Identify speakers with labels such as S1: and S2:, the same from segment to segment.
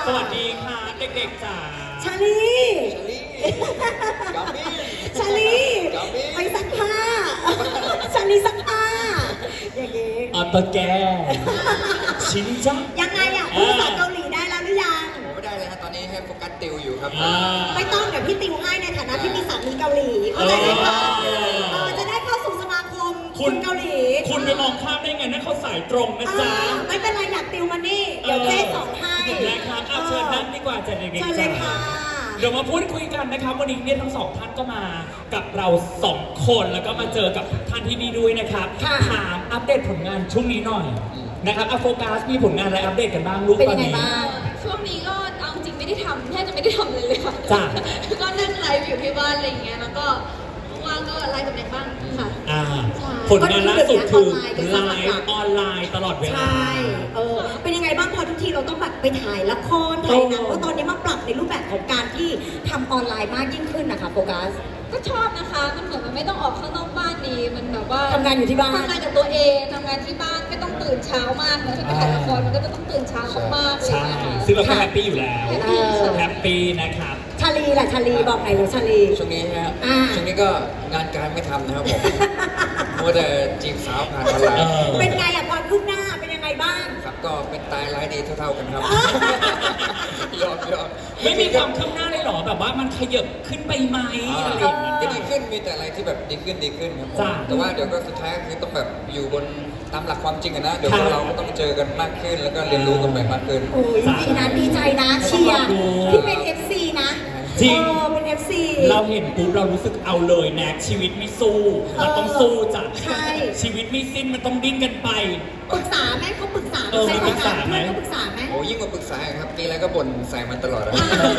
S1: สวัสดีค่ะเด็กๆจ๋า
S2: ชาลี
S3: กัมมี่
S2: ชาลีไปซักผ้าชาลีซักผ้าอย่างงี้
S1: อัตแกชินจัง
S2: ยังไงอ่ะพูดภาษาเกาหลีได้แล้วหรือยัง
S3: ผมไม่ได้เลยฮะตอนนี้ให้โฟกัสติวอยู่ครับ
S2: ไม่ต้องเดี๋ยวพี่ติวให้ในฐานะที่มีสามีเกาหลีเข้าใจไหมคะจะได้เข้าสู่สมาคมคุณเกาหลี
S1: คุณไปมองข้ามได้ไงนั่นเขาสายตรงนะจ๊ะ
S2: ไม่เป็นไรอยากติวมานี่เดี๋ยวเจ๊สอนให้
S1: นะครับเชิญนั่งดีกว่าจ้ะเด็ก
S2: เชิญ
S1: ๆ
S2: เล
S1: จ๋าย
S2: ค่ะ
S1: เดี๋ยวมาพูดคุยกันนะครับวันนี้เนี่ยทั้งสองท่านก็มากับเรา2 คนแล้วก็มาเจอกับท่านที่นี่ด้วยนะครับถามอัปเดตผลงานช่วงนี้หน่อยนะครับโฟกัสมีผลงานอะไรอัปเดตกันบ้างลูก
S2: เป็น
S1: ตอ
S2: ยั
S1: น
S2: งไง
S1: นี้
S2: บ้าง
S4: ช่วงนี้ก็เอาจริงไม่ได้ทำแทบจะไม่ได้ทำเลยค่ะ
S1: จ้ะ
S4: ก็นั่งไลฟ์อยู่ที่บ้านอะไรอย่างเงี้ยแล้วก็ว่างๆก็ไลฟ์กับเด็กบ้างค่ะ
S1: ผลงานล่าสุดคือไลฟ์ออนไลน์ตลอดเวลา
S2: ใช่เป็นยังไงบ้างพอทุกทีเราต้องแบบไปถ่ายละครถ่ายหนังเพราะตอนนี้มาปรับในรูปแบบของการที่ทำออนไลน์มากยิ่งขึ้นนะคะโฟกัส
S4: ก็ชอบนะคะมันเหมือนมันไม่ต้องออกข้างนอกบ้านดีมันแบบว่า
S2: ทำงานอยู่ที่บ้าน
S4: ทำงานกับตัวเองทำงานที่บ้านไม่ต้องตื่นเช้ามากนะถ้าไปถ่ายละครมันก็จะต้องตื่นเช้ามากๆเลย
S1: ใช่
S4: นะคะ
S1: ซึ่งเราก็แฮปปี้อยู่แล้ว
S4: แฮปปี้ค่ะ
S1: แฮปปี้นะครับ
S2: ชาลีล่ะชาลีบอกไหนอยเลยชาลี
S3: ช่วงนี้ฮะ
S2: อ่า
S3: ช่วงนี้ก็งานการไม่ทำนะครับผมมัวแต่จีบสาวผ่านออนไลน์
S2: เป็นไงอะความคืบหน้าเป็นยังไงบ้าง
S3: ครับก็เป็นตายร้ายดีเท่าๆกันครับยอม
S1: ไม่มีความคืบหน้าเลยเหรอแบบว่ามันขยับขึ้นไปไหมอะไรอย่างเงี้ย
S3: จะดีขึ้นมีแต่อะไรที่แบบดีขึ้นครับผม
S1: จ้ะ
S3: แต่ว่าเดี๋ยวก็สุดท้ายก็คือต้องแบบอยู่บนตามหลักความจริงอะนะเดี๋ยว
S1: ครับ
S3: เราก็ต้องเจอกันมากขึ้นแล้วก็เรียนรู้กันไปมากขึ้น
S2: โอ้ยดีนะดีใจนะเชียร์ที่เป็น FC นะ
S1: จริง
S2: เป็น FC
S1: เราเห็นปุ๊บเรารู้สึกเอาเลยแน็กชีวิตไม่สู้ มันต้องสู้จ้ะ
S2: ใช่
S1: ชีวิตไม่สิ้นมันต้องดิ้นกันไป
S2: ปรึกษาไหมเขาปรึกษา
S1: มีปรึกษาไหม
S2: เพื่อนเขาปรึกษาไหม
S3: โอ้ยิ่งกว่าปรึกษาอีกครับมีอะไรก็บ่นใส่มันตลอดอะ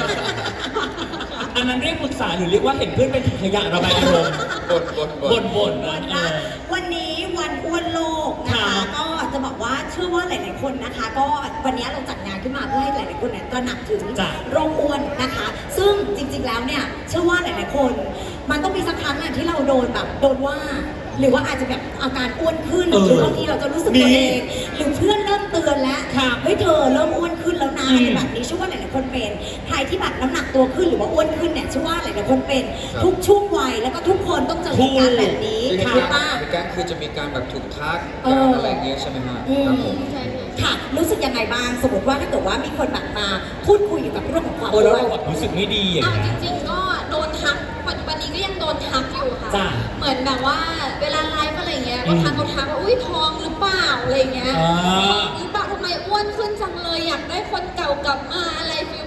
S1: อันนั้นเรียกปรึกษาหรือเรียกว่าเห็นเพื่อนเป็นถุงขยะระบายอารมณ์ บ่นๆนะ
S2: วันนี้วันอ้วนโลกนะคะ
S1: ครับ
S2: ก็จะบอกว่าเชื่อว่าหลาย ๆ คนนะคะ ก็วันนี้เราจัดงานขึ้นมาเพื่อให้หลาย ๆ คนเนี่ยตระหนักถึง
S1: จ้ะ
S2: โรคอ้วนนะคะ ซึ่งจริง ๆ แล้วเนี่ยเชื่อว่าหลาย ๆ คน มันต้องมีสักครั้งอะที่เราโดนแบบโดนว่า หรือว่าอาจจะแบบอาการอ้วนขึ้นหรือบางทีเราจะรู้สึกตัวเองหรือเพื่อนเริ่มเตือนแล้ว
S1: ครับ
S2: เฮ้ยเธอเริ่มอ้วนขึ้นแล้วนะอะไรแบบนี้เชื่อว่าหลาย ๆ คนเป็นใครที่แบบน้ำหนักตัวขึ้นหรือว่าอ้วนขึ้นเนี่ยเชื่อว่าหลาย ๆ คนเป็น
S3: ครับ
S2: ทุกช่วงวัยแล้วก็ทุกคนต้องเจอเหตุการณ์แบบนี้
S3: คือเหตุ
S2: ถูก
S3: การ
S2: ปะ
S3: ณ์เหตุการณ์คือจะมีการแบบถูกทัก
S2: เอ
S3: การ
S2: ออ
S3: อะไรอย่างเงี้ยใช่ไหมฮะ
S2: อืม
S3: ครับผม
S4: ใช่ค่ะ
S2: ค่ะ รู้สึกยังไงบ้าง สมมติว่าถ้าเกิดว่ามีคนแบบมาพูดคุยเกี่ยวกับเรื่องของความ
S1: โอ้
S2: อ้
S1: แล้ว
S2: วน
S1: เราแบบรู้สึกไม่ดีอย่าง
S4: เอา
S1: เงี้
S4: จ
S1: ย
S4: ริงๆก็โดนทักปัจจุบันนี้ก็ยังโดนทักอยู่ค่ะ
S1: จ้ะ
S4: เหมือนแบบว่าเวลาไลฟ์อะไรเงี้ยก็ทักว่าอุ้ยท้องหรือเปล่าอะไรเงี้ย
S1: อ่า
S4: ท้องหรือเปล่าทำไมอ้วนขึ้นจังเลยอยากได้คนเก่ากลับมาอะไรฟิล